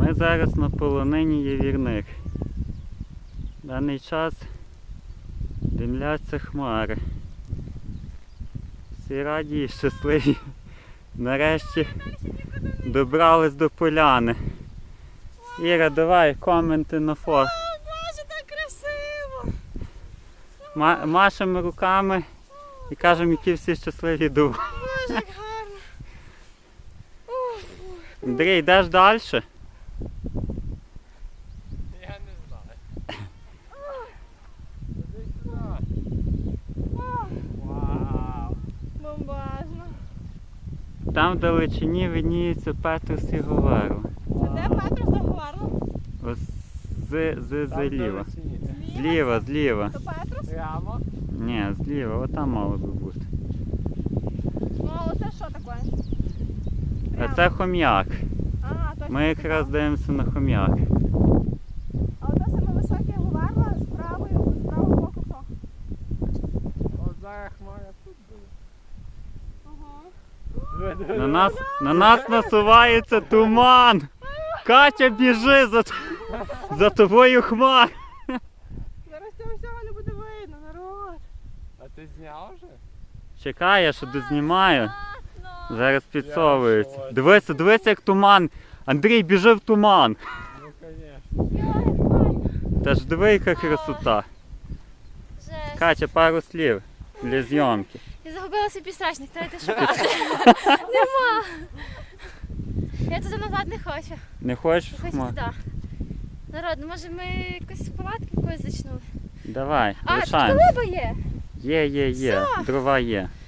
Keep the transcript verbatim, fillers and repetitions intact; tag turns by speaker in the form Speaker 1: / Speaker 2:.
Speaker 1: Ми зараз на полонині Явірник. В даний час димляться хмари. Всі раді і щасливі. Нарешті добрались до поляни. Іра, давай коменти на фото.
Speaker 2: О, Боже, так красиво!
Speaker 1: Ма машемо руками і кажемо, які всі щасливі довго.
Speaker 2: Боже, як гарно! Ух, ух.
Speaker 1: Андрій, йдеш далі?
Speaker 3: Я не знаю. Іди сюди. Вау.
Speaker 2: Бомбажно.
Speaker 1: Там в далечині видніється Петрос і Говерло.
Speaker 2: Це де Петрос заговарло?
Speaker 1: Ось з, з,
Speaker 3: Там
Speaker 1: зліва.
Speaker 3: далечині.
Speaker 1: Зліва, зліва.
Speaker 2: То Петрос?
Speaker 3: Прямо.
Speaker 1: Ні, зліва, отам мало би бути.
Speaker 2: Ну, а оце що таке?
Speaker 1: А
Speaker 2: Прямо.
Speaker 1: це хом'як.
Speaker 2: Ага, точно.
Speaker 1: Ми якраз дивимося на хом'як.
Speaker 2: А оце саме високе говерла з правої, з правого боку хто?
Speaker 3: От зараз хмара тут буде.
Speaker 2: Ага.
Speaker 1: На нас, на нас насувається туман. Катя, біжи за, за тобою хмар.
Speaker 2: Зараз цього всього не буде видно, народ.
Speaker 3: А ти зняв вже?
Speaker 1: Чекай, я ще дознімаю.
Speaker 2: Класно!
Speaker 1: Зараз підсовується.
Speaker 3: Я в шоці.
Speaker 1: Дивися, дивися, як туман. Андрій, біжи в туман.
Speaker 3: Ну, звісно.
Speaker 2: Йой, як файно.
Speaker 1: Та ж диви, яка красота.
Speaker 2: Жесть.
Speaker 1: Катя, пару слів для зйомки.
Speaker 2: Я загубила свій підстрачник, треба йти шукати. Нема. Я туди назад не хочу.
Speaker 1: Не хочеш
Speaker 2: Я
Speaker 1: в
Speaker 2: хочу
Speaker 1: хмар?
Speaker 2: туди. Народ, ну може ми якось палатки якось зачнули?
Speaker 1: Давай,
Speaker 2: А, тут
Speaker 1: лишаємо.
Speaker 2: колиба є.
Speaker 1: Є, є, є. Дрова є.